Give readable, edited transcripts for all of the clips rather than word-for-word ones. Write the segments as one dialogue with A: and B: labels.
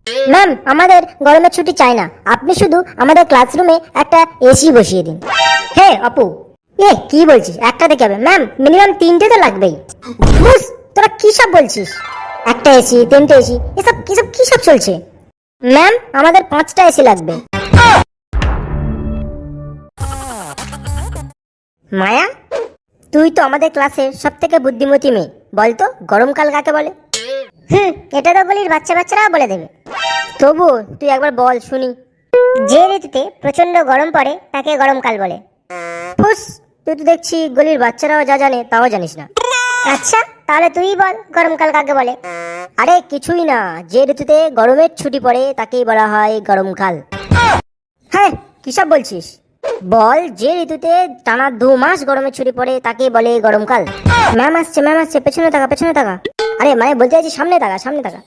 A: Ma'am আমাদের গরমের ছুটি চাই না, আপনি শুধু আমাদের ক্লাসরুমে একটা এসি বসিয়ে দিন। হে অপু, কি বলছিস? একটা দেখে হবে ম্যাম, মিনিমাম 3টে তো লাগবেই। বুস, তোরা কি সব বলছিস? একটা এসি, 3টে এসি, এসব কি সব চলছে? ম্যাম আমাদের 5টা এসি লাগবে। মায়া, তুই তো আমাদের ক্লাসের সব থেকে বুদ্ধিমতী মেয়ে, বলতো গরমকাল কাকে বলে? এটা তো গলির বাচ্চারাও বলে দেবে। তবু তুই একবার বল শুনি। যে ঋতুতে প্রচন্ড গরম পড়ে তাকে গরমকাল বলে। ফুস, তুই তো দেখছি গলির বাচ্চারাও যা জানে তাও জানিস না। আচ্ছা তাহলে তুই বল গরমকাল কাকে বলে? আরে কিছুই না, যে ঋতুতে গরমের ছুটি পড়ে তাকেই বলা হয় গরমকাল। হ্যাঁ, কিসব বলছিস? বল, যে ঋতুতে টানা 2 মাস গরমের ছুটি পড়ে তাকেই বলে গরমকাল। ম্যাম আসছে, পেছনে তাকা। আরে মানে বলতে চাইছি সামনে তাকা।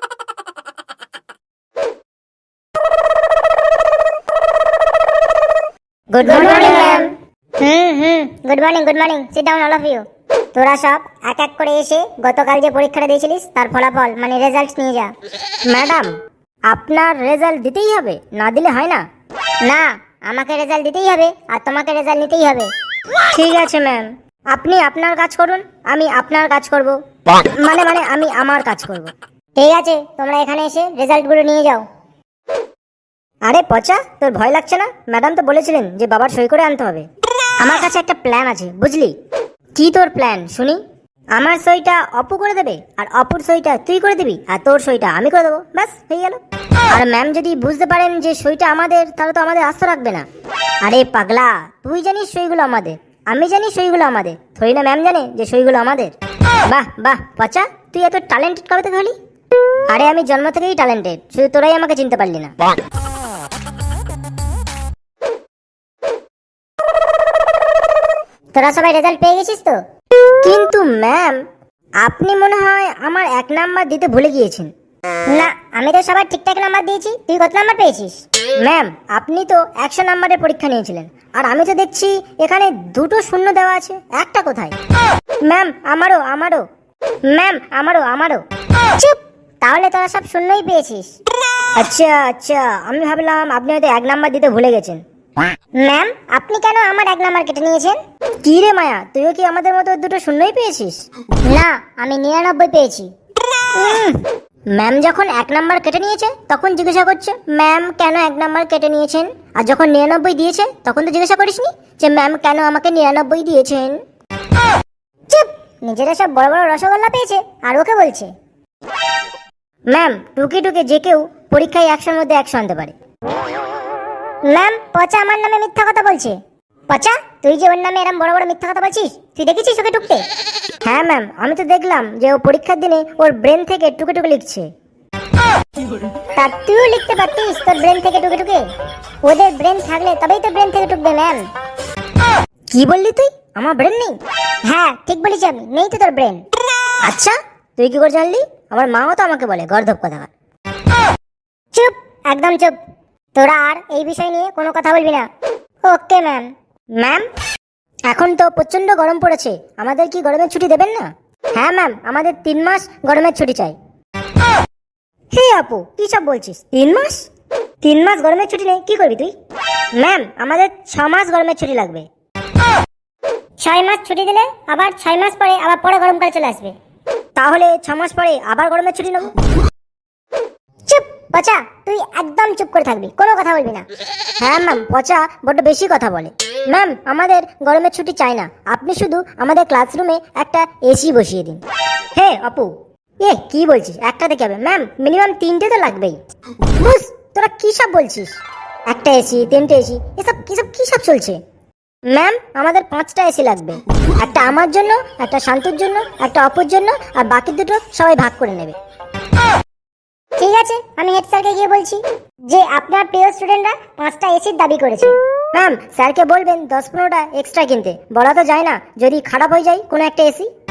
A: Good morning ma'am. Good morning, sit down all of you. তোরা সব এক এক করে এসে গতকাল যে পরীক্ষাটা দিয়েছিলিস তার ফলাফল মানে রেজাল্ট নিয়ে যা। ম্যাডাম, আপনার রেজাল্ট দিতেই হবে, না দিলে হয় না? না, আমাকে রেজাল্ট দিতেই হবে আর তোমাকে রেজাল্ট নিতেই হবে। ঠিক আছে ম্যাম, আপনি আপনার কাজ করুন, আমি আপনার কাজ করব। মানে আমি আমার কাজ করব। ঠিক আছে, তোমরা এখানে এসে রেজাল্টগুলো নিয়ে যাও। আরে পচা, তোর ভয় লাগছে না? ম্যাডাম তো বলেছিলেন যে বাবার সই করে আনতে হবে। আমার কাছে একটা প্ল্যান আছে, বুঝলি? কি তোর প্ল্যান শুনি? আমার সইটা অপু করে দেবে, আর অপুর সইটা তুই করে দিবি, আর তোর সইটা আমি করে দেবো, ব্যাস হয়ে গেল। আর ম্যাম যদি বুঝতে পারেন যে সইটা আমাদের, তাহলে তো আমাদের আস্থা রাখবে না। আরে পাগলা, তুই জানিস সইগুলো আমাদের, আমি জানি সইগুলো আমাদের, থই না ম্যাম জানে যে সইগুলো আমাদের। বাহ পচা, তুই এত ট্যালেন্টেড কবে থেকে হলি? আরে আমি জন্ম থেকেই ট্যালেন্টেড, শুধু তোরাই আমাকে চিনতে পারলি না। তোরা সবাই রেজাল্ট পেয়ে গেছিস তো? কিন্তু ম্যাম, আপনি মনে হয় আমার 1 নাম্বার দিতে ভুলে গিয়েছেন। না, আমি তো সবার ঠিকঠাক নাম্বার দিয়েছি। তুই কত নাম্বার পেয়েছিস? ম্যাম, আপনি তো 100 নাম্বারের পরীক্ষা নিয়েছিলেন, আর আমি তো দেখছি এখানে 2টো শূন্য দেওয়া আছে, একটা কোথায়? ম্যাম আমারও। ম্যাম আমারও। চুপ, তাহলে তোরা সব শূন্যই পেয়েছিস। আচ্ছা, আমি ভাবলাম আপনি হয়তো 1 নাম্বার দিতে ভুলে গেছেন। ম্যাম, আপনি কেন আমার 1 নাম্বার কেটে নিয়েছেন? কি রে মায়া, তুইও কি আমাদের মতো 2টো শূন্যই পেয়েছিস? না, আমি 99 পেয়েছি। ম্যাম যখন 1 নাম্বার কেটে নিয়েছে তখন জিজ্ঞাসা করছে ম্যাম কেন 1 নাম্বার কেটে নিয়েছেন, আর যখন 99 দিয়েছে তখন তো জিজ্ঞাসা করিসনি যে ম্যাম কেন আমাকে 99 দিয়েছেন। চুপ, নিজেরা সব বড় বড় রসগোল্লা পেয়েছে আর ওকে বলছে। ম্যাম, টুকে যে কেউ পরীক্ষায় 100-র মধ্যে 100 আনতে পারে। ম্যাম, পচা আমার নামে মিথ্যা কথা বলছে। পচা, তুই যে ওর নামে এরকম বড় বড় মিথ্যা কথা বলছিস, তুই দেখেছিস ওকে টুকতে? হ্যাঁ ম্যাম, আমি তো দেখলাম যে ও পরীক্ষার দিনে ওর ব্রেন থেকে টুকে লিখছে। তা তুইও লিখতে পারতিস তোর ব্রেন থেকে টুকে। ওদের ব্রেন থাকলে তবেই তো ব্রেন থেকে টুকবে ম্যাম। কি বললি তুই? আমার ব্রেন নেই? হ্যাঁ ঠিক বলেছি আমি, নেই তো তোর ব্রেন। আচ্ছা, তুই কি করে জানলি? আমার মাও তো আমাকে বলে গর্ধব কথাকার। চুপ, একদম চুপ। তোরা আর এই বিষয় নিয়ে কোনো কথা বলবি না। Okay ma'am. ম্যাম, এখন তো প্রচন্ড গরম পড়েছে, আমাদের কি গরমের ছুটি দেবেন না? হ্যাঁ ম্যাম, আমাদের 3 মাস গরমের ছুটি চাই। হে আপু, কি সব বলছিস? 3 মাস গরমের ছুটি নেই, কি করবি তুই? ম্যাম, আমাদের 6 মাস গরমের ছুটি লাগবে। 6 মাস ছুটি দিলে আবার 6 মাস পরে আবার পরে গরমকাল চলে আসবে। তাহলে 6 মাস পরে আবার গরমের ছুটি নেব। চুপ পচা, তুই একদম চুপ করে থাকবি, কোনো কথা বলবি না। হ্যাঁ ম্যাম, পচা বড্ড বেশি কথা বলে। ম্যাম, আমাদের গরমের ছুটি চাই না, আপনি শুধু আমাদের ক্লাসরুমে একটা এসি বসিয়ে দিন। হে অপু, কি বলছিস? একটা দেখে হবে ম্যাম, মিনিমাম 3টে তো লাগবেই। বুস, তোরা কি সব বলছিস? একটা এসি, 3টে এসি, এসব কি সব চলছে? ম্যাম, আমাদের 5টা এসি লাগবে, একটা আমার জন্য, একটা শান্তুর জন্য, একটা অপুর জন্য, আর বাকি 2টো সবাই ভাগ করে নেবে। ঠিক আছে, আমি হেড স্যারকে গিয়ে বলছি যে আপনার প্রিয় স্টুডেন্টরা 5টা এসির দাবি করেছে। ম্যাম, স্যারকে বলবেন 10-15টা এক্সট্রা কিনতে, বলা তো যায় না যদি খারাপ হয়ে যায় কোনো একটা এসি।